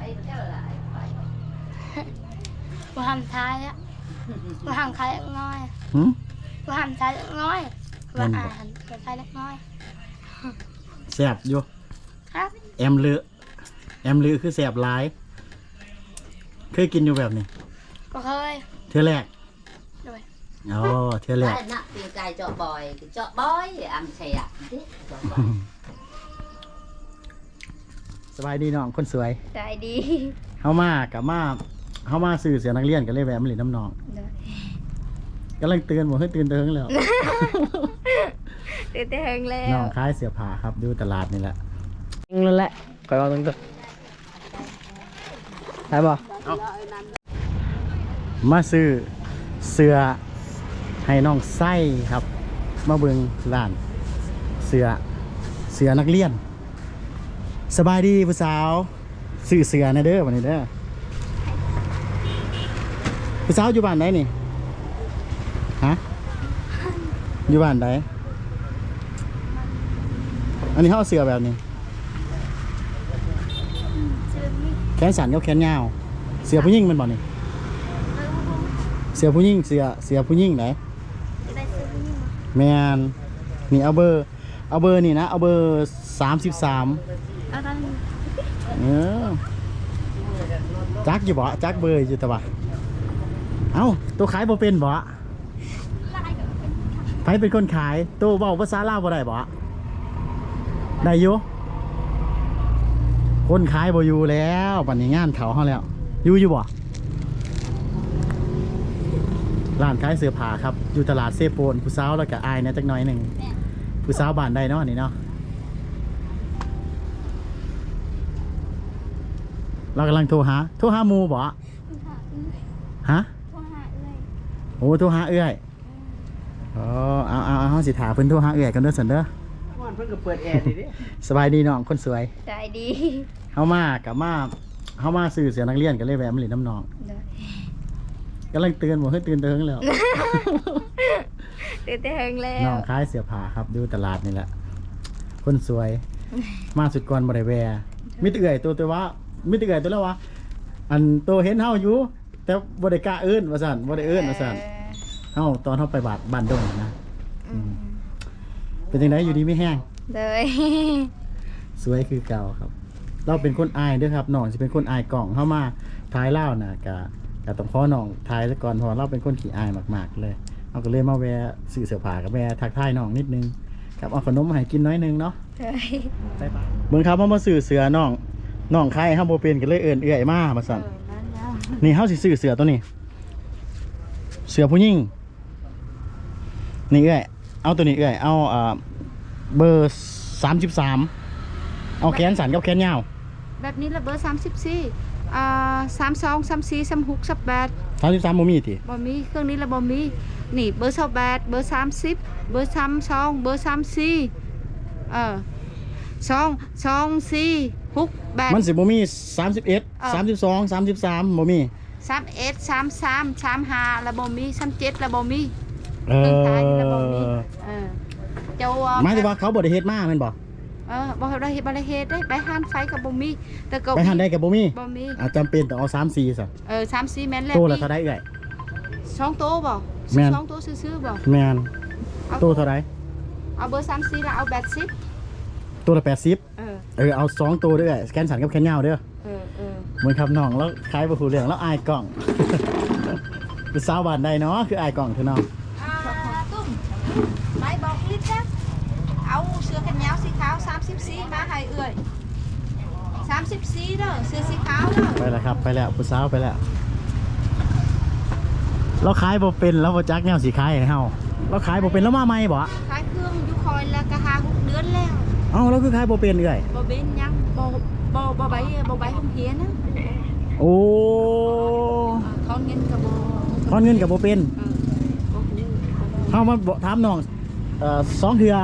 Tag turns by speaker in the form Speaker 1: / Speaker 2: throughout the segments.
Speaker 1: มาทำท้ายอะมาทำท้ายเล็กน้อยมาทำท้ายเล็กน้อยมาอ่านท้ายเล็กน้อย
Speaker 2: แซ่บอยู่
Speaker 1: ครับ
Speaker 2: แอมลือคือแซ่บหลายเคยกินอยู่แบบนี้
Speaker 1: ก็เคย
Speaker 2: เทื่อแรก
Speaker 1: ด้วย
Speaker 2: อ๋อเทื่อแรก
Speaker 3: น่ะตีไก่เจาะบอยอันใช่อ่ะ
Speaker 2: สบายดีน้องคนสวย
Speaker 1: ใจดี
Speaker 2: เฮามาซื้อเสียนักเรียนกันเลยแวะมาเล่นน้ำน้องกำลังเตือนบอกให้ตื่นเติงแล้ว
Speaker 1: ตื่นเติงแล้ว
Speaker 2: น้องขายเสื้อผ้าครับดูตลาดนี่แหละ
Speaker 4: นั่นแหละคอยเอาตรงตัวใช่ป่ะ
Speaker 2: มาซื้อเสื้อให้น้องไส้ครับมาเบิ่งร้านเสื้อนักเรียนสบายดีผู้สาวซื้อเสื้อนะเด้อวันนี้เด้อผู้สาวอยู่บ้านไหนนี่ฮะอยู่บ้านไหนอันนี้เขาเสื้อแบบนี้แขนสั้นกับแขนยาวเสื้อผู้หญิงมันบ่นี่เสื้อผู้หญิงเสื้อผู้หญิงไหนแมนนี่เอาเบอร์นี่นะเอาเบอร์33จักอยู่บ่จักเบอร์อยู่แต่ว่าเอ้าตัวขายบ่เป็นบ่ใครเป็นคนขายตัวเว้าภาษาลาวบ่ได้บ่ได้อยู่คนขายบ่อยู่แล้วปัจจุบันงานเขาเขาแล้วอยู่บ่ร้านขายเสื้อผ้าครับอยู่ตลาดเซโปนผู้สาวแล้วก็อายเนี่ยจักหน่อยหนึ่งผู้สาวบ้านใดเนาะนี่เนาะเรากำลังโทรหาหมูบ่ฮะโอ้โทรหาเอื้อยอ๋อเอาสิถามเพิ่นโทรหาเอื้อยกันเด้อสันเด้อ
Speaker 4: เพิ่นก็เปิดแอร์ดิ
Speaker 2: สบายดีน้องคนสวย
Speaker 1: ใจดี
Speaker 2: เฮามาซื้อเสื้อนักเรียนกันเลยแวะมาเล่นน้ำน้องกำลังเตือนบอกให้ตื่นเติงแล้ว
Speaker 1: ตื่นเติงแล้ว
Speaker 2: น้องขายเสื้อผ้าครับดูตลาดนี่แหละคนสวยมาสุดก่อนบ่ได้แวะมิตรเอื่อยตัวว่ามิตรเอื่อยตัวแล้ววะอันตัวเห็นเฮาอยู่แต่บ่ได้กล้าเอิ้นว่าซั่นบ่ได้เอิ้นว่าซั่นเฮาตอนเฮาไปบ้านดงนะเป็นจังไดอยู่ดีไม่แห้ง
Speaker 1: เลย
Speaker 2: สวยคือเก่าครับเราเป็นคนอายด้วยครับน้องสิเป็นคนอายกล่องเข้ามาท้ายเล่าน่ะกะต้องขอน้องท้ายซะก่อนเพราะเราเป็นคนขี้อายมากๆเลยเราก็เลยมาแวะซื้อเสื้อผ้ากับแวะทักทายน้องนิดนึงครับเอาขนมมาให้กินน้อยนึงเนาะใช่ปะเบิ่งครับเฮามาซื้อเสื้อน้องใครเฮาบ่เป็นก็เลยเอิ้นเอื้อยมาสั่นนี่เฮาสิซื้อเสื้อตัวนี้เสื้อผู้หญิงนี่เอื้อยเอาตัวนี้เอื้อยเอาเบอร์33เอาแขนสั้นกับแขนยาว
Speaker 1: แบบนี้ละเบอร์32 34 36 38
Speaker 2: 33บ่มีติ
Speaker 1: บ่มีเครื่องนี้ละบ่มีนี่เบอร์28เบอร์30เบอร์32เบอร์34 2 4 6 8
Speaker 2: มันสิบ่มี31 32 33บ่มี
Speaker 1: 31 33 35ละบ่มี37ละบ่มีละบ่มีเจ้า
Speaker 2: หมายถึงว่าเขาบ่ได้เฮ็ดมาแม่นบ่
Speaker 1: บ่ได้เฮ็ดได้ไปหานไฟกับบ่มีแต่ก็
Speaker 2: ไปหานได้กับบ่มีจำเป็นต้องเอา3-4ซะ
Speaker 1: 3-4แม่นแล้ว
Speaker 2: โตละเท่าใดเอ้ย
Speaker 1: 2โตบ่2โตซื่อๆบ่
Speaker 2: แม่นโตเท่าใด
Speaker 1: เอาเบอร์34แล้วเอา80
Speaker 2: โตละ80เอา2โตเด้อแขนสั้นกับแขนยาวเด้อเหมือนครับน้องแล้วคล้ายบ่ฮู้เรื่องแล้วอายกล้องคือสาวบ้านใดเนาะคืออายกล้องเถอะน้อง
Speaker 1: ตุ้มไปบอกลิศจ้ะเอาเสื้อแขนยาวสีขาว34มาให้เอื้อย34เด้อเสื้อสีขาวเด้อ
Speaker 2: ไปแล้วครับไปแล้วผู้สาวไปแล้วเราขายบ่เป็นแล้วบ่จักแนวสิขายให้เฮาเราขายบ่เป็นแล้วมาใหม่บ่
Speaker 1: ขายเครื่องอยู่คอยแล้วก็5-6เดือนแล้ว
Speaker 2: เอ้าแล้วคือขายบ่เป็นเอ้ย
Speaker 1: บ่เป็นยังบ่ใบโรงเรียนนะ
Speaker 2: โอ้
Speaker 1: ถอนเงินก็บ่
Speaker 2: เป็นเฮามาถามน้อง2เทื่อ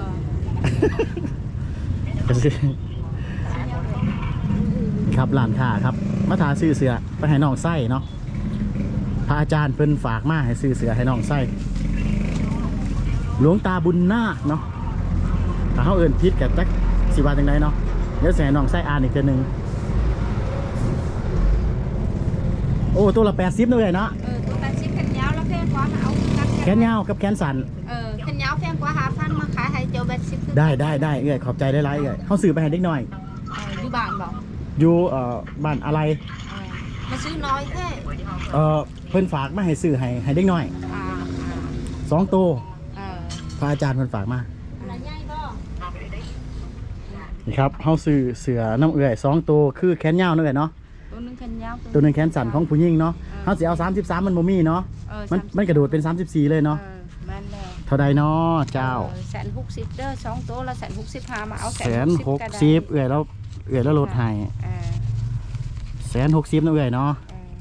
Speaker 2: ครับร้านค้าครับมาถาซื้อเสื้อไปให้น้องไส้เนาะพระอาจารย์เพิ่นฝากมาให้ซื้อเสื้อให้น้องไส้หลวงตาบุญนาคเนาะถ้าเขาเอิ้นผิดกับจักสิว่าจังไดเนาะเดี๋ยวสิให้น้องไส้อ่านอีกเทื่อนึงโอ้ตัวละ80เลยเนาะ
Speaker 5: ตัว80แขนยาวแล้วแพงกว่ามาเอากัน
Speaker 2: แขนยาวกับแขนสั้น
Speaker 5: แขนยาวแพงกว่า5,000มาขายให้เจ้า80
Speaker 2: ได้เอ้ยขอบใจได้หลายเอ้ยเฮาซื้อไปให้เด็กน้อย
Speaker 5: อยู่บ้านบอก
Speaker 2: อยู่บ้านอะไร
Speaker 5: มาซื้อน้อยแค่
Speaker 2: เพิ่นฝากมาให้ซื้อให้เด็กน้อย
Speaker 5: อ่า
Speaker 2: 2ตัว
Speaker 5: เออ
Speaker 2: พระอาจารย์เพิ่นฝากมา
Speaker 5: อะไรใหญ่บ่
Speaker 2: นี่ครับเฮาซื้อเสือน้ำเอื้อย2ตัวคือแขนยาวนั่นแหละเนาะ
Speaker 5: ตัวนึงแขนยาว
Speaker 2: ตัวหนึงแขนสั้นของผู้หญิงเนาะเฮาสิเอา33มันบ่มีเนาะมันกระโดดเป็น34เลยเนาะ
Speaker 5: แม่นแล้ว
Speaker 2: เท่าใดเนาะเจ้า
Speaker 5: 160เด้อ2ตัวละ165มาเอา
Speaker 2: 160เอื้อยแล้วลดให้160นะเอื้อยเนาะ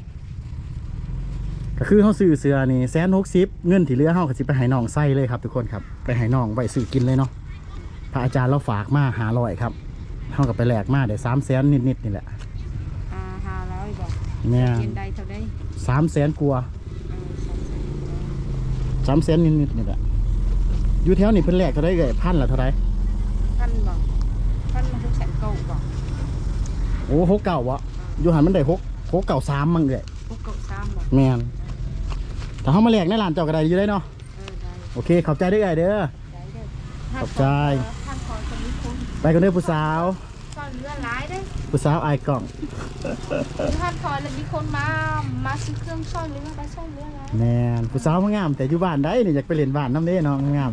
Speaker 2: ก็คือเฮาซื้อเสือนี่160เงินที่เหลือเฮาก็สิไปให้น้องใส่เลยครับทุกคนครับไปให้น้องไว้ซื้อกินเลยเนาะพระอาจารย์เราฝากมา500ครับเฮาก็ไปแลกมาได้300,000นิดๆนี่แหละ
Speaker 5: 500บอก
Speaker 2: แม่
Speaker 5: เย็นใดเท่าใด
Speaker 2: 300,000กว่า300,000นิดๆนี่แหละอยู่แถวนี้เพิ่นแลกเท่าไดเอ่ยพันละเท่าได
Speaker 5: ท่านบอกท่านมา600,000บอก
Speaker 2: โอ้69บ่อยู่หันมันได้693มั้งเอ่ย
Speaker 5: 693บอก
Speaker 2: แม่นถ้าเฮามาแลกในร้านเจ้าก็ได้อยู่ได้เนาะ
Speaker 5: ได้
Speaker 2: โอเคขอบใจเด้อเอ่ยเด้อ
Speaker 5: ได้เด้อ
Speaker 2: ขอบใจ
Speaker 5: ท่านขอคนนี้คน
Speaker 2: ไปกันเด้อผู้สาว
Speaker 5: ก็เรือหลายเด้อ
Speaker 2: ผู้สาวอายกล่อง
Speaker 5: ท่านขอแล้วมีคนมาซื้อเครื่องซ่อนเรือไปซ่อนเรือแล้ว
Speaker 2: แม่นผู้สาวงามแต่อยู่บ้านได้นี่อยากไปเล่นบ้านน้ำเด้เนาะงาม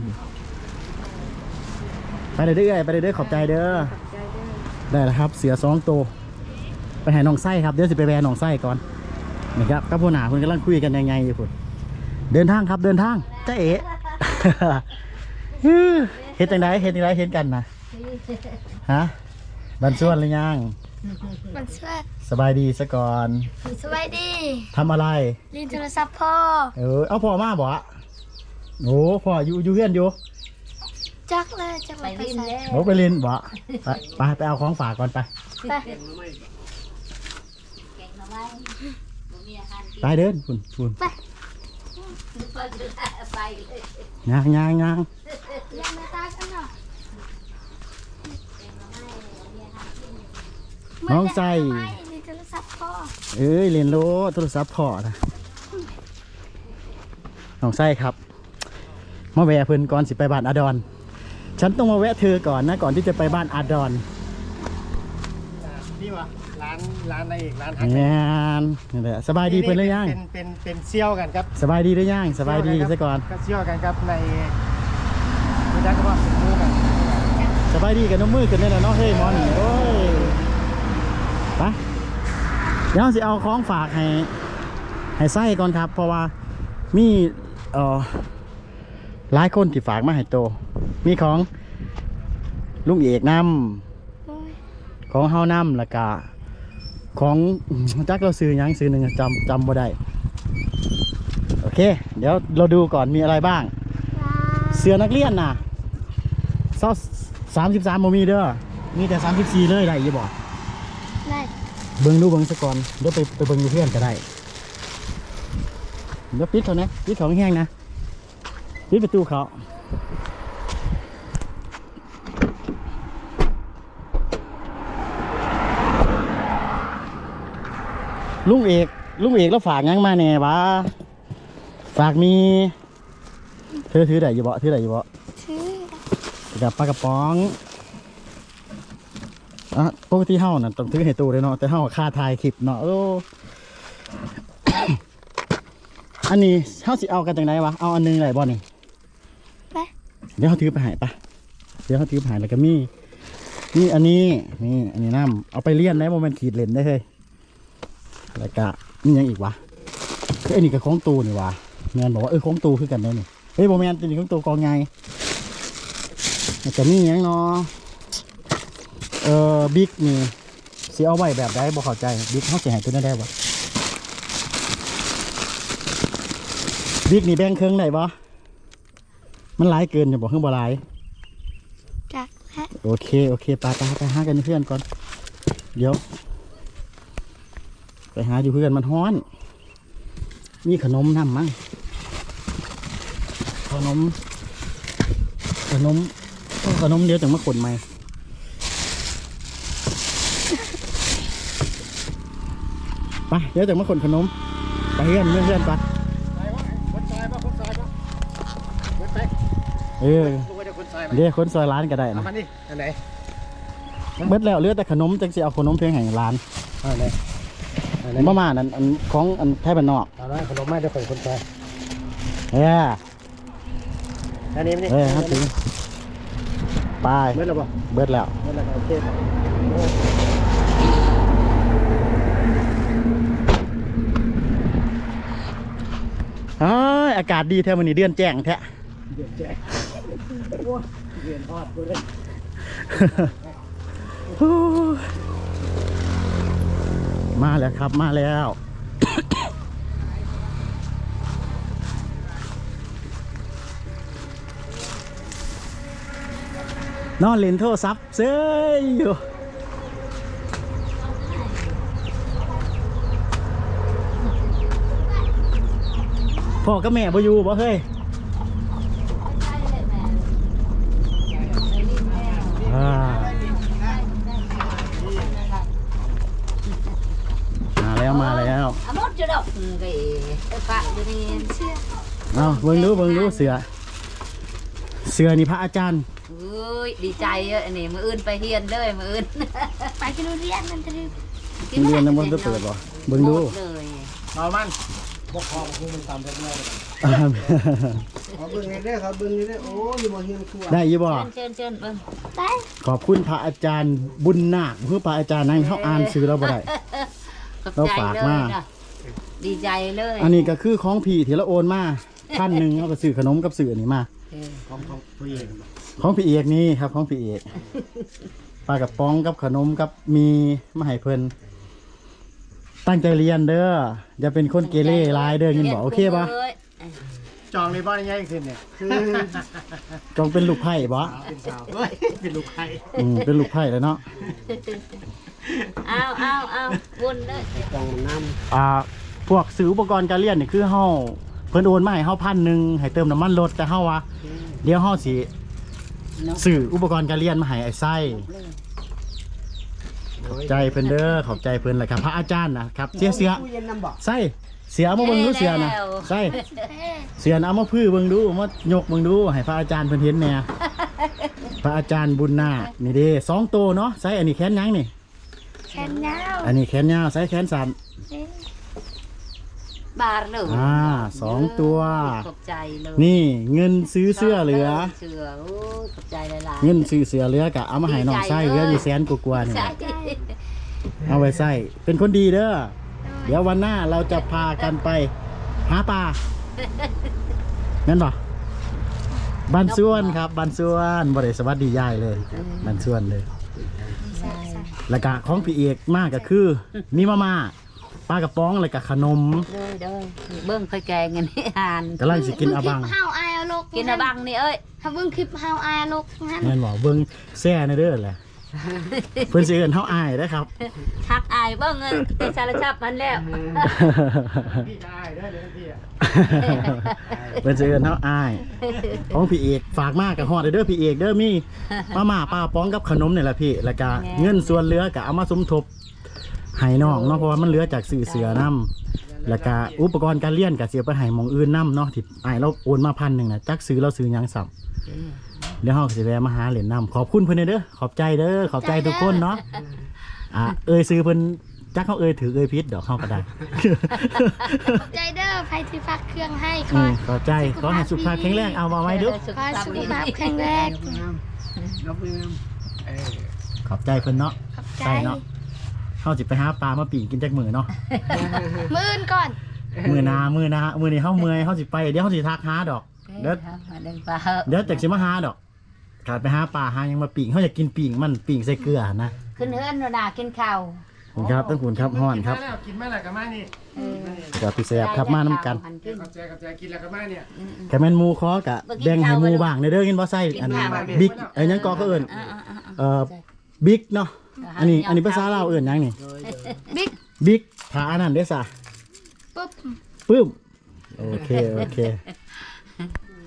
Speaker 2: ไปเด้อไปเด้อขอบใจเด้อ
Speaker 5: ขอบใจเด้อ
Speaker 2: ได้แล้วครับเสือ2ตัวไปหาน้องไส้ครับเดี๋ยวสิไปแวะน้องไส้ก่อนนี่ครับกับผู้หนาคุณกำลังคุยกันยังไงอยู่พุ่นเดินทางครับเดินทางจ้าเอ๋ เฮ็ดจังไดเฮ็ดกันนะฮะบันส่วนหรือยัง
Speaker 1: มันช่วย
Speaker 2: สบายดีซะก่อน
Speaker 1: สบายดี
Speaker 2: ทำอะไร
Speaker 1: ลินโทรศัพท์พ่อ
Speaker 2: เอาพ่อมาบ่โอ้พ่ออยู่เฮือนอยู่
Speaker 1: จักเลยจัก
Speaker 3: ไป
Speaker 1: เลย
Speaker 3: ลิ้นแล้ว
Speaker 2: โอ้ไปเล่นบ่ไปเอาของฝากก่อนไป
Speaker 1: ไป
Speaker 3: เก่งมาไว้บ่มีอาหารกิน
Speaker 2: ไปเดินคุณ
Speaker 1: ไป
Speaker 3: ไปเลย
Speaker 2: ย่าง
Speaker 1: ยังไม่ตากันเนาะ
Speaker 2: น้องใส่
Speaker 1: ลินโทรศัพท์พ่อ
Speaker 2: เอ้ยเรียนรู้โทรศัพท์พ่อนะน้องไส้ครับมาแวะเพิ่นก่อนสิไปบ้านอาดอนฉันต้องมาแวะเธอก่อนนะก่อนที่จะไปบ้านอาดอน
Speaker 4: นี่วะร้านอะไรอีกร้านฮัก
Speaker 2: แม่นนี่แหละสบายดีเพิ่นหรือยัง
Speaker 4: เป็นเซี่ยวกันครับ
Speaker 2: สบายดีหรือยังสบายดีซะก่อน
Speaker 4: ก็เซี่ยวกันครับในไม่ได้ก็ว่าเป็นมือกัน
Speaker 2: สบายดีกับน้องมือกันได้แล้วเนาะเฮ้ยหมอนโอ้ยไปเดี๋ยวสิเอาของฝากให้ไส้ก่อนครับ เพราะว่ามีหลายคนที่ฝากมาให้โตมีของลุงเอกนำของเฮานำแล้วก็ของจักเราซื้อหยังซื้อหนึ่งจำบ่ได้โอเค เดี๋ยวเราดูก่อนมีอะไรบ้าง เสื้อนักเรียนน่ะ33โมมีเด้อมีแต่34เลยได้ยี่บอก
Speaker 1: ได้
Speaker 2: เบิ่งซะก่อนเดี๋ยวไปเบิ่งอยู่เพื่อนก็ได้เดี๋ยวปิดเขานะปิดของแห้งนะปิดประตูเขาลุงเอกแล้วฝากหยังมาแน่วะฝากมีเธอถือได้อยู่บ่
Speaker 1: ชื่อ
Speaker 2: กับปลากระป๋องปกติเฮาน่ะต้องถือให้ตู้เลยเนาะแต่เฮาค่าถ่ายคลิปเนาะโอ้ อันนี้เฮาสิเอากันจังไดวะเอาอันนึงได้บ่นี่
Speaker 1: ไป
Speaker 2: เดี๋ยวเฮาถือไปให้ปะเดี๋ยวเฮาถือไปให้แล้วก็มีอันนี้นี่อันนี้น้ำเอาไปเลี้ยนได้บ่แม่นขีดเล่นได้เฮ้ยแล้วก็มีหยังอีกวะไอ้นี่ก็ของตู้นี่วะแม่นบอกว่าของตู้คือกันได้นี่เฮ้ยบ่แม่นตัวนี้ของตู้กองใหญ่แล้วก็มีหยังเนาะบิ๊กนี่สิเอาไว้แบบใดบ่เข้าใจบิ๊กเฮาสิให้ตัวนั้นได้บ่บิ๊กนี่แบ่งครึ่งได้บ่มันหลายเกินจะบอกเพิ่งบ่หลาย
Speaker 1: จักและ
Speaker 2: โอเคไปหากันเพื่อนก่อนเดี๋ยวไปหาอยู่เพื่อนมันฮ้อนมีขนมนำมั้งขนมเดี๋ยวจังมาขนใหม่ไปเดี๋ยวจังมาขนขนมไปเฮือนเพื่อนก่อน
Speaker 4: ไปวะคนซอยปะคนซอยปะคนไป
Speaker 2: เออ
Speaker 4: ลูกก็จะคนซอยมา
Speaker 2: เดี๋ยวคนซอยร้านก็ได้
Speaker 4: เอา
Speaker 2: นะ
Speaker 4: มานี่อันไหน
Speaker 2: เบิดแล้วเหลือแต่ขนมจังสิเอาขนมเพียงแห่งร้าน
Speaker 4: เอาไหนเอาไหน
Speaker 2: ประมาณนั้นอันของอันไทยบ้านนอก
Speaker 4: เอาละขนมมาเดี๋ยวข่อยคนซอย
Speaker 2: เอ้ย
Speaker 4: อันนี้นี่
Speaker 2: เอ้ยครับถึงไป
Speaker 4: เมื่อไหร่บ่
Speaker 2: เบิดแล้ว
Speaker 4: เมื่อไหร่โอเคครับ
Speaker 2: อ้ายอากาศดีแท้วันนี้เดือนแจ้งแท้
Speaker 4: เดือดแจ๊โอ้ยเดือดทอดกูเลย
Speaker 2: มาแล้วครับมาแล้ว นอนเล่นโทรศัพท์เซ้ยอยู่พ่อกับแม่บ่อยู่บ่เฮ้ยอ่ามาแล้ว
Speaker 3: À, mốt chưa đọc cái bạn cho nên
Speaker 2: เอาเบิ่งดูเสือนี่พระอาจารย์
Speaker 3: ơi đi chạy này mà ươn phải hiền đời mà ươn
Speaker 1: ไปกินทุเรียนมันจะได้
Speaker 2: โรงเรียนน้ำมันจะเปิดบ่เบิ่งดู
Speaker 3: đời
Speaker 4: เอามันบกคอของกูมันต่ำไปเลยขอเบิ้งได้ครับเบิ้งได้โอ้ยบ่เฮียนครัว
Speaker 2: ได้ยี่บ่
Speaker 3: chân vâng
Speaker 1: ได้
Speaker 2: ขอบคุณพระอาจารย์บุญนาคคือพระอาจารย์นั่งเขาอ่านซื้อเราบ่ได้
Speaker 3: Cặp
Speaker 2: Đâu
Speaker 3: chạy
Speaker 2: phạt
Speaker 3: lời
Speaker 2: mà.
Speaker 3: nè. Đi chạy lời
Speaker 2: อันนี้ก็คือของพี่ที่เราโอนมา1,000เขาก็ซื้อขนมกับซื้ออันนี้มา
Speaker 3: Ừ.
Speaker 4: ของผู้หญิง
Speaker 2: ของพี่เอกนี่ครับของพี่เอกปลากระป๋องกับขนมกับมีมาให้เพิ่นตั้งใจเรียนเด้ออย่าเป็นคนเกเรหลายเด้อยินบอกโอเคปะ
Speaker 3: Ơi.
Speaker 4: จองในบ้านยังไงขึ้นเนี่ยคือ
Speaker 2: จงเป็นลูกไผ่บ่
Speaker 4: เป็นสาวเฮ้ยเป็นลูกใคร
Speaker 2: เป็นลูกไผ่แล้วเนาะ
Speaker 3: Ao buồn đấy
Speaker 4: จองน้
Speaker 2: พวกซื้ออุปกรณ์การเรียนนี่คือเฮาเพิ่นโอนมาให้เฮา1,000ให้เติมน้ำมันรถแต่เฮาว่าเดี๋ยวเฮาสิซื้ออุปกรณ์การเรียนมาให้ไอ้ไส้ขอบใจเพิ่นเด้อขอบใจเพิ่นแหละครับพระอาจารย์นะครับเสีย
Speaker 4: ตู้เย็นน้ำบ่
Speaker 2: ไส้เสียมาเบิ่งดูเสียนะไส้
Speaker 1: เฮ้
Speaker 2: เสียนะเอามาพื้อเบิ่งดูเอามายกเบิ่งดูให้พระอาจารย์เพิ่นเห็นแหน่พระอาจารย์บุญนาคนี่เด้2โตเนาะไส้อันนี้แขนยังนี่
Speaker 1: แขนยาว
Speaker 2: อันนี้แขนยาวไส้แขนสั้น
Speaker 1: นี่
Speaker 3: Bà lửa
Speaker 2: 2ตัว
Speaker 3: Cặp chạy lời
Speaker 2: นี่เงินซื้อเสื้อเหลือ
Speaker 3: Sửa ôi cặp chạy lại lại
Speaker 2: เงินซื้อเสือเหลือกะเอามาให้น้องไส้เหลืออยู่แสนกว่าๆนี่
Speaker 3: Chạy
Speaker 2: เอาไว้ใส่เป็นคนดีเด้อเดี๋ยววันหน้าเราจะพากันไปหาปลางั้นป่ะบันส่วนครับบันส่วนบริสวัสดียายเลยบันส่วนเลยแล้วก็ของพี่เอกมากก็คือมีมาม่าปลากระป๋องแล้วก็ขนม
Speaker 3: Đời đời Bưng phải kè nghe nế hàn
Speaker 2: กำลังสิกินอาบัง
Speaker 1: เฮาอายเอาลูก
Speaker 3: Kiên ở băng đi ơi
Speaker 1: ถ้าเบิ่งคลิปเฮาอายเอาลูกงั้น
Speaker 2: เงินบอกเบิ้งแซ่ในเด้อแหละเพื่อนสิเอิ้นเฮาอายเด้อครับ
Speaker 3: Thắt ai bưng Cái xa là chắp hắn lẹo
Speaker 4: พี่ชายเด้อเดี๋ยวพี่อ่ะ
Speaker 2: เพื่อนสิเอิ้นเฮาอายของพี่เอกฝากมากกับฮอดเด้อพี่เอกเด้อมีมาม่าปลากระป๋องกับขนมนี่แหละพี่แล้วก็เงินส่วนเหลือก็เอามาสมทบให้น้องเนาะเพราะว่ามันเหลือจากสื่อเสือน้ำแล้วก็อุปกรณ์การเรียนก็เสียไปให้หมองอื่นน้ำเนาะที่อ้ายเราโอนมา1,000นะจักซื้อเราซื้อหยังสับเดี๋ยวเฮาก็สิแวะมาหาเหรียญน้ำขอบคุณเพิ่นเด้อขอบใจเด้อขอบใจทุกคนเนาะเอ่ยซื้อเพิ่นจักเขาเอ่ยถือเอ่ยพิษดอกเฮาก็ได้
Speaker 1: ใจเด้อใครที่ฝากเครื่องให้ข
Speaker 2: อื
Speaker 1: อ
Speaker 2: มขอบใจขอให้สุขภาพแข็งแรงเอามาไว้เด้อ
Speaker 1: ขอให้สุขภาพแข็งแรง
Speaker 4: น้ำมือเออ
Speaker 2: ขอบใจเพิ่นเนาะ
Speaker 1: ขอบใจ
Speaker 2: ใช่เนาะเฮาสิไปหาปลามาปีกกินจักมื้อเนาะ
Speaker 1: มื้ออื่นก่อน
Speaker 2: มื้อหน้ามื้อนี้เฮาเมื่อยเฮาสิไปเดี๋ยวเฮาสิทักหาดอก เด้อ
Speaker 3: Đừng vào
Speaker 2: เดี๋ยวจากสิมาหาดอกขาดไปหาปลาหายังมาปิ่งเขาอยากกินปิ่งมันปิ่งใส่เกลือนะ
Speaker 3: ขึ้นเฮือนrồi nà kiên khảo
Speaker 2: คุณครับต้องคุณครับฮ้อนครับ
Speaker 4: กินมาแล้วกับมานี่
Speaker 2: กับพี่แสบครับมาน้ำกัน
Speaker 4: กับแจกินแล้วกับมาเนี่ย
Speaker 2: กะแม่นหมูคอกะแบ่งให้หมูบ้างในเด้อกินบ่ใส่อันบิ๊กไอ้ยังกอเขาเอิ้นบิ๊กเนาะอันนี้ภาษาลาวเอิ้นหยังนี่
Speaker 1: บิ๊ก
Speaker 2: บิ๊กถ้าอันนั้นเด้อซะ
Speaker 1: ปุ๊บ
Speaker 2: ปึ้มโอเค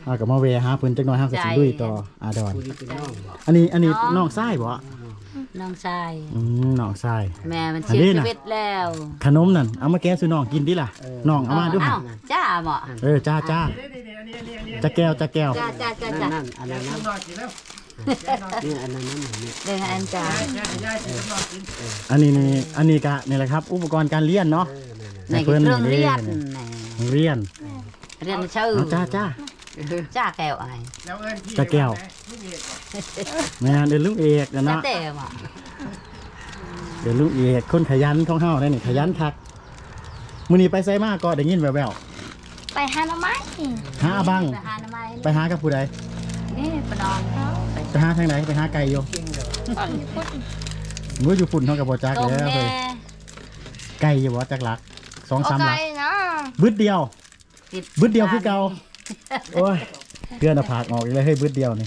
Speaker 2: เอากับมาแวะหาเพิ่นจักหน่อยเฮาก็สิลุยต่ออาดอน
Speaker 4: ผู้ที่เป็นน้องบ่
Speaker 2: อันนี้น้องชายบ่
Speaker 3: น้องชาย
Speaker 2: น้องชาย
Speaker 3: แม่มัน
Speaker 2: อัน
Speaker 3: เสีย
Speaker 2: นี้
Speaker 3: ชี
Speaker 2: น่ะ
Speaker 3: วิตแล้ว
Speaker 2: ขนมนั่นเอามาแกะสู่น้องกินดิล่ะน้องเอามาดู
Speaker 3: เอ้าจ้าหมอ
Speaker 2: จ้าจ้าจะแก้ว
Speaker 3: จ้าจ้า
Speaker 4: นั่นอันนั้นนี่อันนั้นนี่
Speaker 3: เรื่องอันจ้า
Speaker 2: อันนี้ก็นี่แหละครับ อุปกรณ์การเรียนเนาะ
Speaker 3: ในเครื่องเรียน
Speaker 2: เรียน
Speaker 3: เรียนชื่อ
Speaker 2: เอาจ้า
Speaker 3: จ้าแก้วไอ้
Speaker 2: จะแก้วแม่นเดินลูกเอกนะ
Speaker 3: จ้า
Speaker 2: เนาะ
Speaker 3: เต้หมอ
Speaker 2: เดินลูกเอกคนขยันของเฮาได้นี่ขยันคักมื้อนี้ไปไสมาก็ได้ยินแว่ว
Speaker 1: ไปหาหน่อไม้
Speaker 2: ๆหาอาบัง
Speaker 3: ไปหาหน้ำไม้
Speaker 2: ไปหากับผู้ใด
Speaker 3: นี่ปนอนเขา
Speaker 2: ไปหาทางไหนไปหาไก่อยู่ มื้ออยู่ฝุ่นเฮาก็บ่จัก
Speaker 3: ต้ม
Speaker 2: แล้ว
Speaker 3: แน่
Speaker 2: เฮ้ยไก่อยู่บ่จักหลัก
Speaker 1: โอ
Speaker 2: 2-3
Speaker 1: เค
Speaker 2: หลัก
Speaker 1: นะ
Speaker 2: บึดเดียวบึดเดียวคือเก่าโอ้ยเพื่อนเอาผากออกอีกเลยเฮ้ยบึดเดียวนี่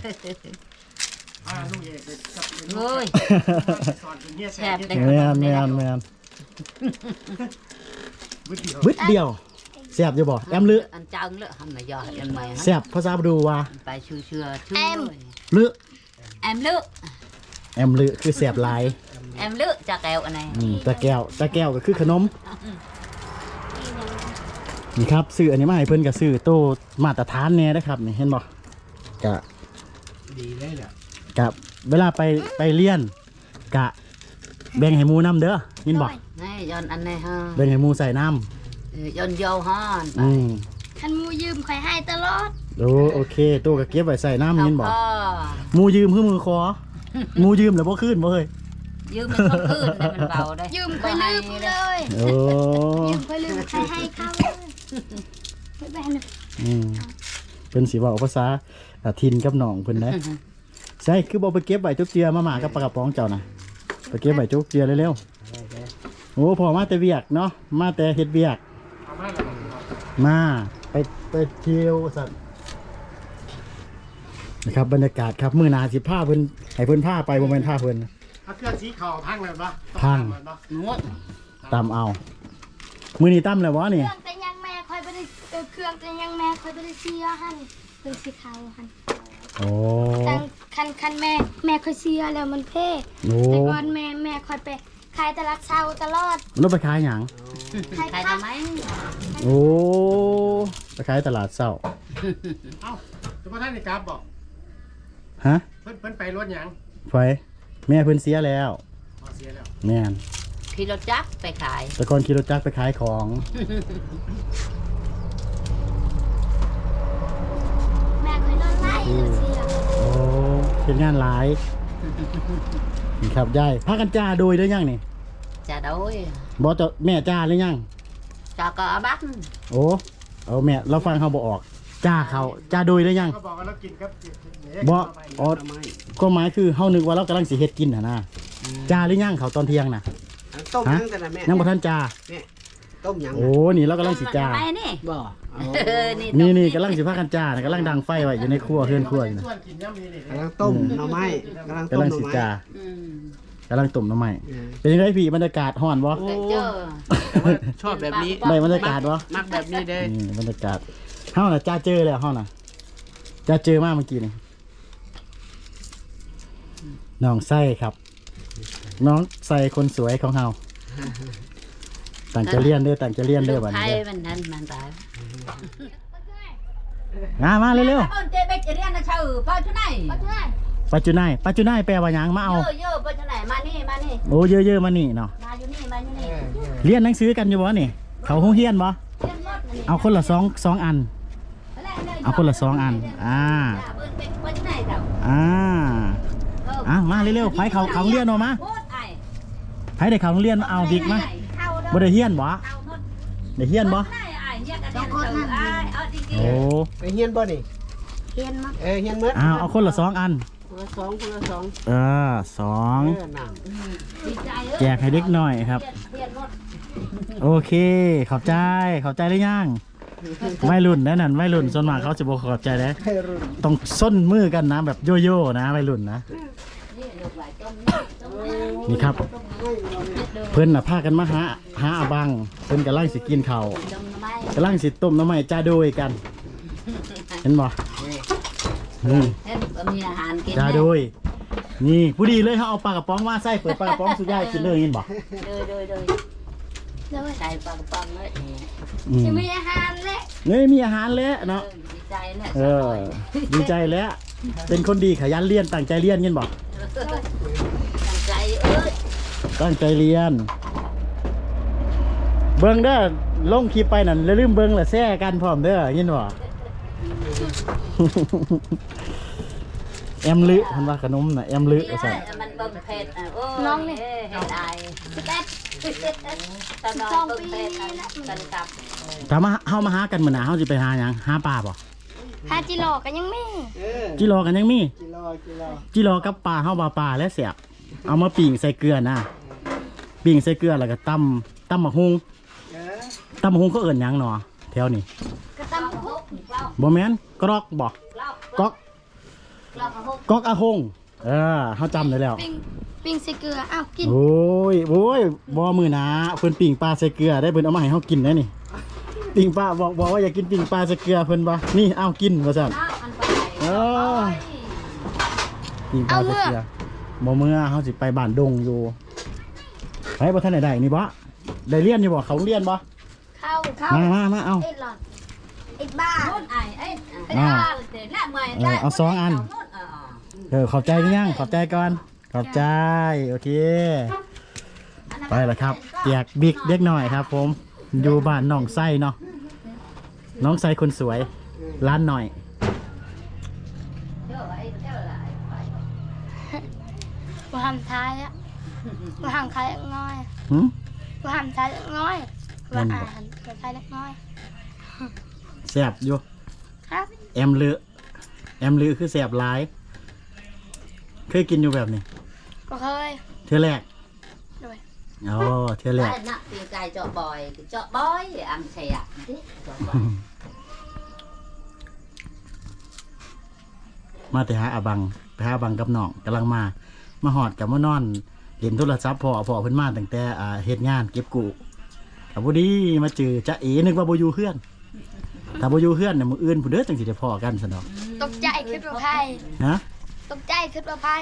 Speaker 3: โอ้ยแซ่บเลย
Speaker 2: แม่นบึดเดียวแซ่บอยู่บ่แอมลึ
Speaker 3: อันจังเลยทำมายอดอันใหม่
Speaker 2: แซ่บภาษาบดูว่า
Speaker 3: ไปชื่อชื่อ
Speaker 2: ลึ
Speaker 3: แอมลึ
Speaker 2: แอมลึคือแซ่บหลาย
Speaker 3: แอมลึจ้าแก้วอันไหน
Speaker 2: ตะแก้วก็คือขนมนี่ครับซื้ออันนี้มาให้เพิ่นก็ซื้อโตมาตรฐานแน่นะครับนี่เห็นบ่กะ
Speaker 4: ดีเลยแหละ
Speaker 2: กะเวลาไปเรียนกะแบ่งให้หมู่นํเด้อยินบ่
Speaker 3: นี่ย้อนอันไหนฮะ
Speaker 2: แบ่งให้หมู่ใส่น้
Speaker 3: ย้อนโยฮอน
Speaker 1: คันมูยืมคอยให้ตลอด
Speaker 2: โอเคโตก็เก็บไว้ใส่น้ำยินบ่
Speaker 3: พ่อ
Speaker 2: หมู่ยืมคือมือคอหมู่ยืมแล้วบ่คืนบ่เฮ้ย
Speaker 3: ยืมมันคนอื่นได้มันเบาได้
Speaker 1: ยืมคอยลืมเลย
Speaker 2: โอ้
Speaker 1: ยืมคอยลืมใครให้เขาเลยไม่แบน
Speaker 2: เพิ่นสิเว้าภาษาถิ่นกับน้องเพิ่นนะใช่คือบ่ไปเก็บไว้จุกเจือมาหมากับปลากระป๋องเจ้าน่ะไปเก็บไว้จุกเจือเร็วๆโอ้พอมาแต่เวียกเนาะมาแต่เฮ็ดเวียกมาไปเที่ยวสัตว์นะครับบรรยากาศครับมื้อหน้าสิพาเพิ่นให้เพิ่นพาไปบ่แม่นพาเพิ่น
Speaker 4: เอาเครื่องสีขาวพังเลยปะ
Speaker 2: พัง
Speaker 3: งด
Speaker 2: ตำเอามื้อนี้ตำแล้วบ่
Speaker 1: เค
Speaker 2: นี่
Speaker 1: รื่องแต่ยังแม่คอยไปได้เครื่องแต่ยังแม่คอยไปได้เสียหันเป็นสีขาวหัน
Speaker 2: โอ้
Speaker 1: แต่คันแม่คอยเสียแล้วมันเพ่
Speaker 2: โอ้
Speaker 1: แต่ก่อนแม่คอยไปขายตลาดเช้าตลอด
Speaker 2: แล้วไปขายหยัง
Speaker 1: ขาย
Speaker 3: ใคร
Speaker 1: ผัก
Speaker 3: ทำไหม
Speaker 2: โอ้ไปขายตลาดเช้า
Speaker 4: เอ้าทุกท่านนี่กราบบอก
Speaker 2: ฮะ
Speaker 4: เพิ่นไปรถหยัง
Speaker 2: ไฟแม่เพิ่นเสียแล้ว
Speaker 4: พอเสียแล้ว
Speaker 2: แม่น
Speaker 3: ขี่รถจักรไปขาย
Speaker 2: แต่ก่อนขี่รถจักรไปขายของ
Speaker 1: แม่คอยนอนไล่เสีย
Speaker 2: โอ้เป็นงานหลายนี่ครับยายพากันจ้าโดยได้ยังนี่
Speaker 3: จะโดย
Speaker 2: บอกจะแม่จ้าหรือยัง
Speaker 3: จะก็เอาบัก
Speaker 2: โอ้เอาแม่เราฟังเขาบอกออกจ้าเขาจ้าโดยได้ยัง
Speaker 4: ก็บอกว่าเรากินครับ
Speaker 2: บอกอ๋อก็หมายคือเฮานึกว่าเรากำลังสิเฮ็ดกินนะจ้าหรือยังเขาตอนเที่ยงน่ะ
Speaker 4: ต้ม
Speaker 2: ฮะ
Speaker 4: ยังแต่ละแม่
Speaker 2: ยังบ่ทันจ้า
Speaker 4: ต้มยัง
Speaker 2: โอ้นี่เรากำลังสิจ้า
Speaker 3: ไปนี่
Speaker 4: บ่
Speaker 2: นี่กำลังสิพากันจ้านะกำลังดังไฟไว้อยู่ในครัวเฮือนครัวอยู่นะ
Speaker 4: ส่วนกินยังมีนี่กำลังต้มหน่อไม้กำลังต้
Speaker 2: กำ
Speaker 4: ม
Speaker 2: ลัง
Speaker 4: หน่อ
Speaker 2: สิ
Speaker 4: ไม้
Speaker 2: จ้า
Speaker 3: อืม
Speaker 2: กำลังต้มน้ำใหม่เป็นยังไงพี่บรรยากาศฮ้อนบ่
Speaker 3: ไปเจอ
Speaker 4: ชอบแบบนี้
Speaker 2: ได้บรรยากาศบ่
Speaker 4: มักแบบนี้เด้
Speaker 2: นี่บรรยากาศเฮาน่ะจ้าเจอแล้วเฮาน่ะจ้าเจอมาเมื่อกี้นี่น้องไส้ครับ น้องไส้คนสวยของเฮาต่างจะเรียนเด้อต่างจะเรียนเด้อบัด
Speaker 3: ไท
Speaker 2: นี้
Speaker 3: ย
Speaker 2: เด้อ
Speaker 3: มันนั่นมันตาย
Speaker 2: มาเร็ว
Speaker 3: เจ๊ไปเรียนนะเชื่อไปที่ไหน
Speaker 1: เอาเถอะ
Speaker 2: ๆปัจจุบันปัจจุบันแปลว่าหยังมาเอา
Speaker 3: เยอะไปที่ไหนมานี่มานี่
Speaker 2: โอ้เยอะๆมานี่เนาะ
Speaker 3: มาอยู่นี่มาอยู่นี่
Speaker 2: เรียนหนังสือกันอยู่บ่นี่เขาโรงเรียนบ่
Speaker 3: เรียนหมดนี่
Speaker 2: เอาคนละสองอัน เอาคนละสองอัน
Speaker 3: ไปที่ไหนเจ้า
Speaker 2: มาเร็วๆไผเขาโรงเรียนเนาะมา
Speaker 3: พูดไอ้
Speaker 2: ไผได้เขาโรงเรียนเอาบิ๊กมาบ่ได้เรียนบ่ได้เรียนบ่ โอ้
Speaker 4: ไปเฮียนบ่นี่
Speaker 1: เฮียนมา
Speaker 4: เฮียนเมื่อ
Speaker 2: เอาคนละ2อัน
Speaker 4: คนละสอง
Speaker 2: สอง
Speaker 4: น่ะ
Speaker 2: แจกให้เด็กหน่อยครับ โอเคขอบใจหรือยังวัยรุ่นนั่นวัยรุ่นส่วนมากเขาจะบอกขอบใจนะต้องส้นมือกันนะแบบโยโย่นะวัยรุ่นนะนี่ครับ เพิ่นน่ะพากันมาหาอาบังเพิ่นกำลังสิกินข้าวกำลังสิต้มน้ำไม้จ้าโดยกัน เห็นบ่นี่
Speaker 3: เฮ็ดบ่มีอาหารกิน
Speaker 2: จ้าโดยนี่ผู้ดีเลยเขาเอาปลากระป๋องมาใส่เปิดปลากระป๋องสุดยอดกินเลยยินบอก
Speaker 3: โดย
Speaker 1: เลย
Speaker 3: ใส่ปลากระป๋องเลย
Speaker 1: จะมีอาหารและ
Speaker 2: นี่มีอาหารแล้วเนาะ
Speaker 3: ดีใจเนี่ย
Speaker 2: ดีใจแล้ว เป็นคนดีขยันเรียนตั้งใจเรียนยินบอก
Speaker 3: ตั้งใจ
Speaker 2: ตั้งใจเรียน เบิ้งเด้อลงคลิปไปนั่นแล้วลืมเบิ้งและแซ่กันพร้อมเด้อยินบ่แอมลึเพิ่นว่าขนมน่ะแอมลึว่าซั่น
Speaker 3: มันเบิ่งเพชรโอ้เฮ็ดอาย
Speaker 1: 11
Speaker 3: ตอนน้องเบิ่งเพชรกันกับ
Speaker 2: ถ้ามาเฮามาหากันมื้อหน้าเฮาสิไปหาหยังหาปลาบ่
Speaker 1: หาจิโลก็ยังมี
Speaker 2: จิรอกันยังมี
Speaker 4: กิโล
Speaker 2: จิรอกับปลาเฮาว่าปลาและแซ่บเอามาปิ้งใส่เกลือนะปิ้งใส่เกลือแล้วก็ตำบักฮุงตำบักฮุงเขาเอิ้นหยังหนอแถวนี้
Speaker 1: กระตำคุก
Speaker 2: บ่แม่นกรอกบ่ก๊อกก๊อกอาฮงเฮาจำได้แล้ว
Speaker 1: ปิ้งใส่เกลืออ้าวกิน
Speaker 2: โอ้ยบ่มื้อหน้าเพิ่นปิ้งปลาใส่เกลือได้เพิ่นเอามาให้เฮากินได้นี่ปิ้งปลาบอกว่าอยากกินปิ้งปลาใส่เกลือเพิ่นบ่นี่เอากินว่าซั่นปิ้งปลาใส่เกลือบ่เมื่อเฮาสิไปบ้านดงอยู่ไปบ่ทันได้นี่บ่ได้เรียนอยู่บ่เขาเรียนบ่
Speaker 1: เข้า
Speaker 2: มาเอา
Speaker 1: เอ็ดหลอดเอ็ดบ้า
Speaker 2: เอาสองอันขอบใจกันยังขอบใจก่อนขอบใจโอเคไปแล้วครับแจกบิ๊กเด็กหน่อยครับ ผมอยู่บ้านน้องไส้เนาะน้องไส้คนสวยร้านหน่อย
Speaker 1: บ่ทำท้ายอ่ะบ่ทำท้ายเล็กน้อย
Speaker 2: หืม
Speaker 1: บ่ทำท้ายเล็กน้อยว่าอ่านท้ายเล็กน้อย
Speaker 2: แซ่บอยู่
Speaker 1: ครับ
Speaker 2: แอมลือคือแซ่บหลายเคยกินอยู่แบบนี้
Speaker 1: ก็เคย
Speaker 2: เทื่อแรก
Speaker 1: ด้วย
Speaker 2: อ๋อเทื่อแรก
Speaker 3: น่ะตีไก่เจาะบ่อยอังเสียเจาะบ่อย
Speaker 2: มาแต่หาอาบังไปหาอาบังกับน้องกำลังมาหอดกับมานอนเล่นโทรศัพท์พ่อเพิ่นมาตั้งแต่เฮ็ดงานเก็บกู้กับบ่ดีมาเจอจ๊ะเอ๋นึกว่าบ่อยู่เฮือนถ้าบ่อยู่เฮือนน่ะมื้ออื่นผู้เด้อจังสิได้พ้อกันซั่นดอก
Speaker 1: ตกใจคิดว่าไพ่
Speaker 2: ฮะ
Speaker 1: ตกใจคิดว่าไพ่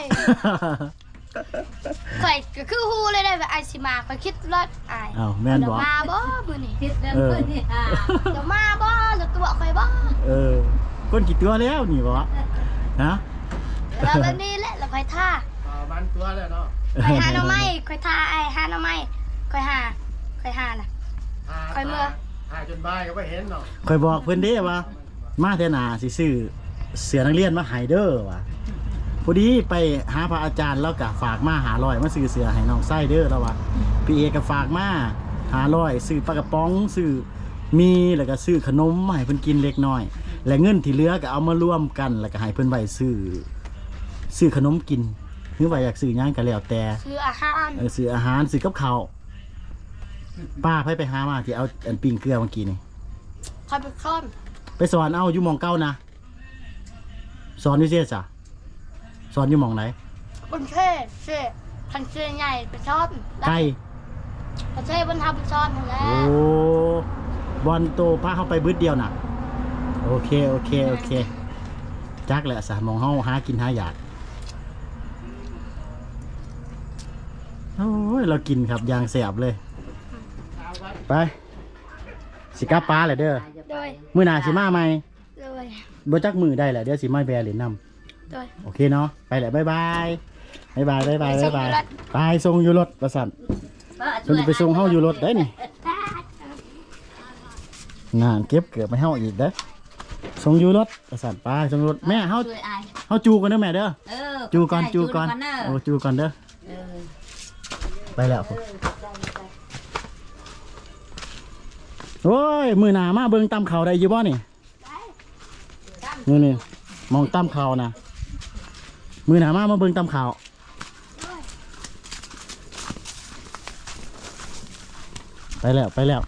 Speaker 1: ข่อยก็คือฮู้เลยได้ว่าไอสิมาข่อยคิดรถอาย
Speaker 2: อ้าวแม่นบ่
Speaker 1: เดี๋ยวมาบ่มื้อนี้
Speaker 3: คิดเรื่องพื้นที่
Speaker 1: เดี๋ยวมาบ่เดี๋ยวตัวข่อยบ่
Speaker 2: คนกี่ตัวแล้วนี่บ่ฮะ
Speaker 1: แล้วแบบนี้แหละแล้วข่อยท่า
Speaker 4: มันตัวแล้วเนาะ
Speaker 1: ข่อยหาหน่อไม้ข่อยท่าไอ้หาหน่อไม้ข่อยหาน่ะ ค่อยเมื่อ
Speaker 4: หาจนบ่ายก็ไม่เห็นเนาะ
Speaker 2: ข่อยบอกเพิ่นเด้ว่ามาเทื่อหน้าสิซื้อเสื้อนักเรียนมาให้เด้อว่ะพอดีไปหาพระอาจารย์แล้วก็ฝากมา500มาซื้อเสื้อให้น้องไส้เด้อแล้วว่าพี่เอก็ฝากมา500ซื้อปลากระป๋องซื้อมีแล้วก็ซื้อขนมมาให้เพิ่นกินเล็กน้อยและเงินที่เหลือก็เอามารวมกันแล้วก็ให้เพิ่นไว้ซื้อขนมกินหรือว่าอยากซื้อหยังก็แล้วแต่
Speaker 1: ซื้ออาหาร
Speaker 2: ซื้ออาหารซื้อกับข้าวป้าไปหามาที่เอาอันปิ้งเกลือเมื่อกี้นี่
Speaker 1: ข่อยไปค้อน
Speaker 2: ไปสอนเอาอยู่หมองเก้านะสอนอยู่เสียจ้ะสอนอยู่หมองไหน
Speaker 1: บนเทศเซ่คันเซ่ใหญ่ไปชอบ
Speaker 2: ไกล
Speaker 1: ประเทศบนทำไปชอบหมดแล้
Speaker 2: โอ้
Speaker 1: ว
Speaker 2: บอลโตพาเข้าไปบึดเดียวน่ะโอเคจักแหละสามองเฮาหากินหาอยากโอ้ยเรากินครับยางแสบเลยไปสิกลับป้าเลยเด้อ
Speaker 1: โดย
Speaker 2: มื้อหน้าสิมาใหม่
Speaker 1: โดย
Speaker 2: บ่จักมือได้แหละเดี๋ยวสิมาแบร์เหรียญนำ
Speaker 1: โดย
Speaker 2: โอเคเนาะไปแหละบ๊ายบายไปส่งอยู่รถประสันเพิ่นสิไปส่งเฮาอยู่รถได้นี่งานเก็บเกือบไปเฮาอีกเด้อส่งอยู่รถประสันไปส่งรถแม่เฮาจูกันเด้อแม่เด้อจูก่อนโอ้จูก่อนเด้อไปแล้วโอ้ยมือหนามาเบิ่งตำเขาได้อยู่บ่นี่นี่มองตำเขานะมือหนามาเบิ่งตำเขาไปแล้ว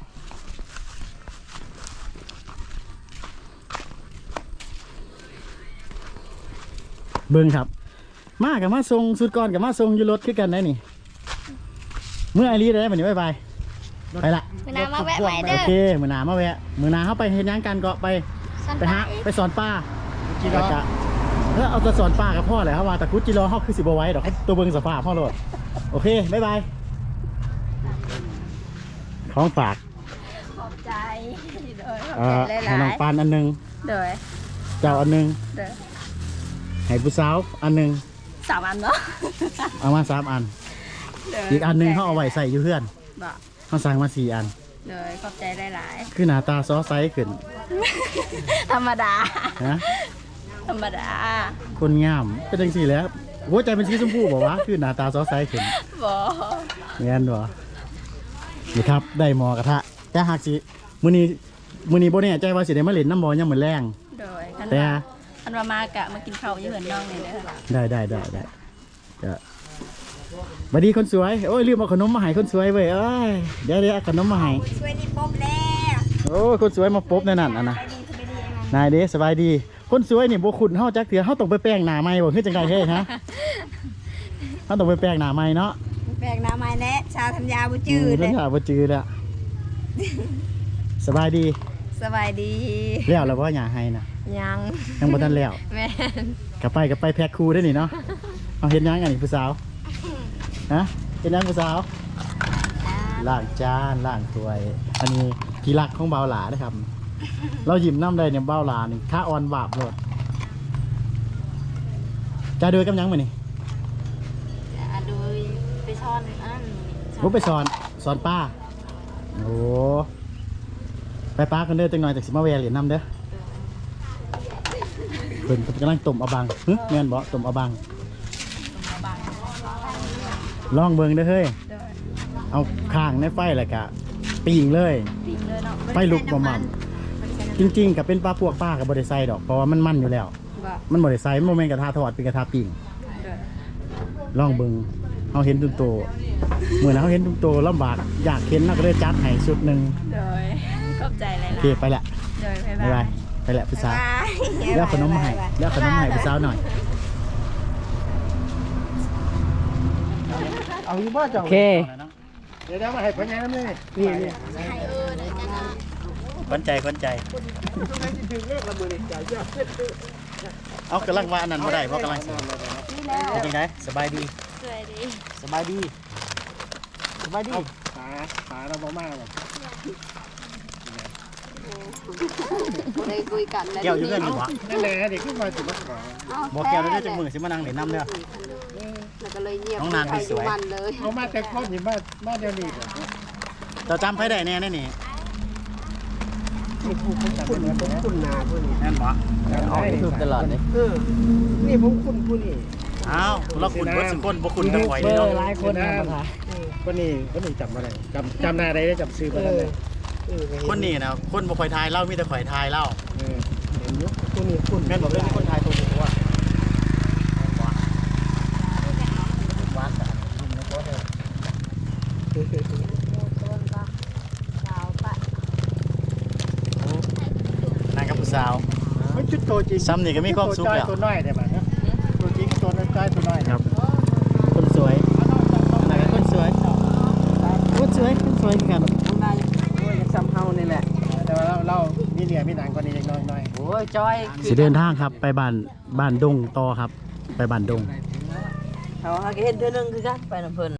Speaker 2: เบิ่งครับมากับมาส่งสุดก่อนกับมาส่งอยู่รถคือกันได้นี่เมื่อไอรีได้แบบนี้บายไปละ
Speaker 1: มือน้ำมาแวะใหม่เด้
Speaker 2: โอ
Speaker 1: อ
Speaker 2: เคมือหนามาแวะมือหนาเข้าไปเห็นยังกันก็ไปหาไปสอนป้าแล้วก็แล้วเอาแต่สอนป้ากับพ่อแหละครับว่าแต่กุจิรอเขาคือสิบไว้ดอกตัวเบิ่งสภาพพ่อโลดโอเคบ๊ายบายของฝาก
Speaker 5: ขอบใจโดยขอบ
Speaker 2: ให้
Speaker 5: ใจห
Speaker 2: น้
Speaker 5: ลา
Speaker 2: อง
Speaker 5: ย
Speaker 2: ปานอันหนึง
Speaker 5: ๆโดย
Speaker 2: เจ้าอันหนึง
Speaker 5: โดย
Speaker 2: ให้ผู้สาวอันหนึง
Speaker 5: 3 อันเนาะ
Speaker 2: เอามา3 อัน
Speaker 5: โดย
Speaker 2: อีกอันหนึงเขาเอาไว้ใส่อยู่เพื่อน
Speaker 5: บ่
Speaker 2: เขาสั่งมา4 อัน
Speaker 5: โดยขอบใจหลาย
Speaker 2: คือหน้าตาซอไซส์ขึ้น
Speaker 5: ๆธรรมดา
Speaker 2: นะ
Speaker 5: ธรรมดา
Speaker 2: คนงามเป็นจังซี่แหล้วหัวใจเป็นสีชมพูบอกว่าคือหน้าตาซอไซส์ขึ้น
Speaker 5: บ่
Speaker 2: แม่นบ่นี่ครับได้หมอกระทะแต่หากสิมื้อนี้บ่แน่ใจว่าสิได้มาเล่นน้ำบ่ยามมื้อแรง
Speaker 5: โดยคัน
Speaker 2: แต่
Speaker 5: ว่าคันว่ามากะมากินข้าวอยู่เฮือนน้องนี่เด้อ
Speaker 2: ได้จะสวัสดีคนสวยโอ้ยลืมเอาขนมมาให้คนสวยเว้ยเอ้ยเดี๋ยวเอาขนมมาให้
Speaker 5: ช่วยนี่ป๊บแล้ว
Speaker 2: โอ้ยคนสวยมาปบในนั่นอ่ะนะนายเด้สบายดีคนสวยนี่บ่คุ้นเฮาจักเถื่อเฮาต้องไปแปรงหน้าใหม่บ่คือจังไดเฮ้ฮะเฮาต้องไปแปรงหน้าใหม่เนาะ
Speaker 5: แปลกหน้าไม้แน่ชาวธัญญาบ่จืด
Speaker 2: เด้
Speaker 5: เด้
Speaker 2: อบ่จืดแล้วสบายดี
Speaker 5: สบายดี
Speaker 2: แล้วบ่หญ้าให้น่ะ
Speaker 5: ยัง
Speaker 2: ยังบ่ทันแล้ว
Speaker 5: แม่น
Speaker 2: กลับไปแพ็คคู่ได้นี่เนาะเอาเฮ็ดหยังอันนี้ผู้สาวฮะเฮ็ดหยังผู้สาวล้างจานล้างถ้วย อันนี้ที่รักของเบาหลานะครับ เราหยิบน้ำได้เนี่ยเบาหลานี่ค่าออนบาปโลดจะเดินกับหยังมื้อนี่
Speaker 5: โดยไปช้อนอัน
Speaker 2: ผมไปสอนป้าโอ้ไปป้ากันเด้อจังหน่อยจากสิมาแวะเหรียญน้ำเด้อเพิ่นกำลังต้มอะบังหึแม่นบ่ต้มอะบังลองเบิ่งเด้อเฮ้ยเอาข้างในไฟแล้วก็ปิ้งเลย
Speaker 5: ปิ้งเลยเนาะ
Speaker 2: ไฟลุกบ่มั่มจริงๆก็เป็นปลาพวกป้าก็บ่ได้ใส่ดอกเพราะว่ามันมันอยู่แล้ว
Speaker 5: บ่
Speaker 2: มันบ่ได้ใส่มันบ่แม่นกระทะทอดเป็นกระทะปิ้ง
Speaker 5: โดย
Speaker 2: ลองเบิ่งเฮาเห็นตุ้มโตมื้อนั้นเฮาเห็นตุ้มโตลำบากอยากเห็นน่ะก็เลยจัดให้ชุดหนึง
Speaker 5: โดยขอบใจหลาย
Speaker 2: โอเคไปละ
Speaker 5: ๆโดยบ๊าย
Speaker 2: บ๊ายบา
Speaker 5: บาย ย
Speaker 2: ไปละผู้สาว
Speaker 5: บ๊ายบาย
Speaker 2: แล้วขนมมาให้แล้วขนมมาให้ผู้สาวหน่อย
Speaker 4: เอาอยู่บ้านเจ้า เดี๋ยวมาให้พ่อใหญ่น้ำเลยนี่
Speaker 2: ขวัญใจ
Speaker 4: ตรงไหนที่ถึงเลขละมือนี่จ่ายเยอะ
Speaker 2: เอากำลังว่าอันนั้นบ่ได้เพราะกำลังสิเป็นจังไดสบายดี
Speaker 5: สวยดี
Speaker 2: สบายดีสบายดี
Speaker 4: ขาเราบ่มากหรอก
Speaker 5: ได้คุยกันแล้ว
Speaker 2: แก้วอยู่เรื่องอยู่บ่
Speaker 4: นั่นแหละเด็กขึ้นมาสิมาขอ
Speaker 2: บ่แก้วได้จังมื้อสิมานั่งเล่นน้ำเด้อ
Speaker 5: แล้วก็เลยเงียบ
Speaker 2: น้องนางนี่สวย
Speaker 5: มันเลย
Speaker 4: เอามาแต่คนอยู่บ้านเดียวนี่
Speaker 2: เจ้าจำไผได้แน่นี่
Speaker 4: คุณนาผู้นี้
Speaker 2: แม่นบ่
Speaker 4: คือตลอดเลยนี่ผมคุณผู้นี้
Speaker 2: อ้าวเราคุณเบิดสุคนบ่คุณทั้งข่อยนี่เนาะ
Speaker 4: หลายคนนะคนนี้จำอะไรจำหน้าได้จำซื้อมาได้เลย
Speaker 2: คนนี้นะคนบ่ค่อยทายเล่ามีแต่ข่อยทายเล่า
Speaker 4: เห็นยุคผู้นี้คุณ
Speaker 2: แม่นบ่เรื่องคนทายตัวบ่ว่าแม่นบ่หวานสะอาดกินในโต๊ะเด้อนางกับผู้สาว
Speaker 4: มันจุดโตจริง
Speaker 2: ซ้ำนี่ก็มีความสุขแล้ว
Speaker 4: ตัวน้อยได้ป่ะตัวจริงตัวน้อยตัวน้อย
Speaker 2: ครับคนสวยอะไรกันคนสวยคนสวยกัน
Speaker 4: ซ้ำเฮานี่แหละแต่ว่าเรามีเหลี่ยมีหนังกว่านี้เล็กน้อย
Speaker 3: โอ้ยจอย
Speaker 2: สิเดินทางครับไปบ้านดงต่อครับ ไปบ้านดง
Speaker 3: เขาหาเห็นเทื่อนึงคือกันไปนำเพิ่น